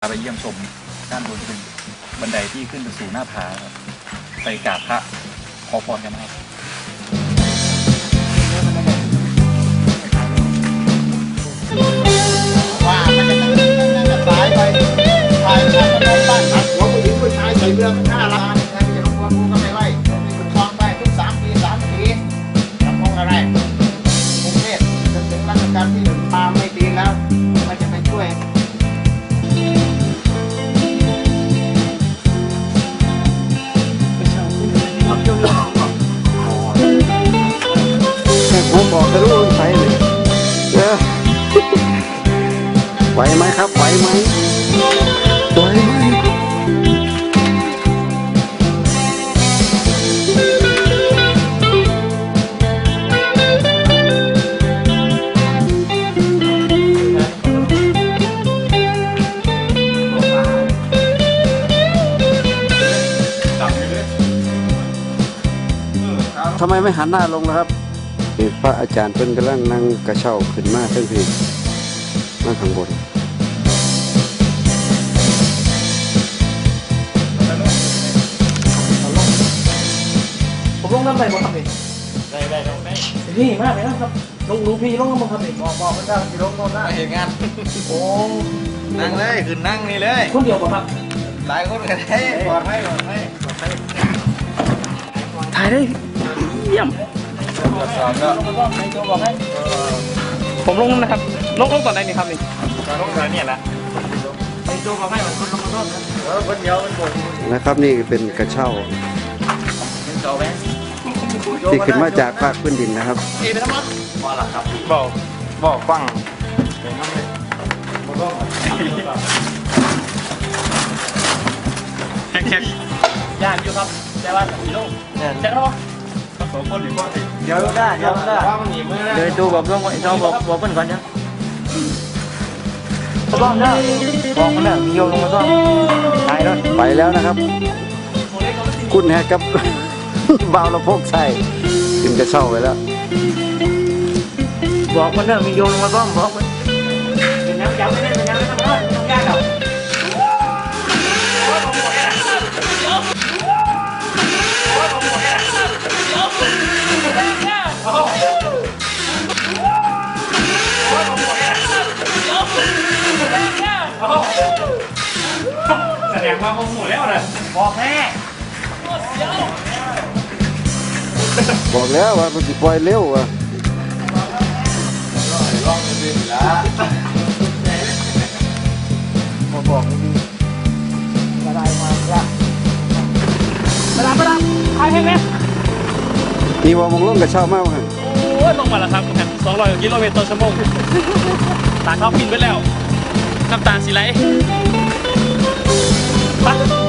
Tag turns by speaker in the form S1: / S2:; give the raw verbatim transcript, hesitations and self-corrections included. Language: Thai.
S1: ไปเยี่ยมชมด้านบนเป็นบันไดที่ขึ้นไปสู่หน้าผาครับไปกราบพระขอพรกันนะครับ
S2: ว่ามันจะจะสายไปถ่ายถ่ายมาบ้านหักหัวผู้หญิงผู้ชายใส่เรือมันน่ารักใครจะลงว่ากูก็ไม่ไหวมีคนคลองไปทุกสามปีสามปีทำห้องอะไรกรุงเทพจนถึงราชการที่หนึ่งตามไม่ดีแล้วมันจะไปช่วยผมบอกจะรู้ใส่เลยเออไหวไหมครับไหวไหมไหวไหมทำไมไม่หันหน้าลงล่ะครับพระอาจารย์เพิ่นกำลังนั่งกระเช้าขึ้นมาเพิ่นพี่นั่งข้างบน
S3: ผมลงน้ำไหลบ่ครับพี่ได้ได้ลงได้นี่มากเลยนะครับลงรู้พี่ลงน้ำบ่ครับพี่บอกบอกมันได้พี่ลงน้ำได้
S4: มาเห็นงาน
S3: โอ้
S4: นั่งเลยขึ้นนั่งนี่เลย
S3: คนเดียวป่ะครับ
S4: หลายคนกันได้ปลอดภัยปลอดภัยปลอดภัย
S3: ถ่ายได้เยี่ยม
S4: ตรวจสอบแล้ว
S3: ผมลงนะครับลงลงตอนไหนนี่ครับนี่
S4: ลงแล้วเนี่ยนะ
S3: ไอ้โจบอกให้คนลงมาต้น
S4: เออคนเดียวมันบ่น
S2: นะครับนี่เป็นกระเช้าที่ขึ้นมาจากภาคพื้นดินนะครับ
S3: เอไปทั้งหมด
S4: พอละครับบอกบอกฟังเป็นน้ำเลยบ่ต้อง
S3: แขกๆย่านอยู่ครับแต่ว่าสี่โลแจ็คเนาะ
S4: สองคนหรือว่า
S3: เดี๋ยวได้เดี๋ยวได้
S4: ว่ามันหนีมือ
S3: เดี๋ยวดูบอกเรื่องไอ้จอบอกบอกเพื่อนก่อนจ้ะบอกนะบอกมันนะมีโยมลงมาซ่อมตายแล้ว
S2: ไปแล้วนะครับ คุณแฮกับ บ่าวละพกใส่ขึ้นกระเช้าไปแล้ว
S3: บอกมันนะมีโยมลงมาซ่อมบอกมันเป็นน้ำจับไม่ได้เป็นน้ำไม่ทำได้ทำยากหรอกแสดงว่าคงหมดแล้วนะบอกแม่
S2: บอกแล้วว่ามันสิปล่อยเร็วอ่ะ
S4: ลองดูดิละ
S3: บอกบอกดีกระไรมาละกระไรกระไรใครให้ไหม
S2: นี่ว่ามองลงกระเช้ามากเลย
S3: โอ้ยลงมาแล้วครับสองร้อยกิโลเมตรต่อชั่วโมงตาเข้าพินไปแล้วน้ำตาสีไหลไป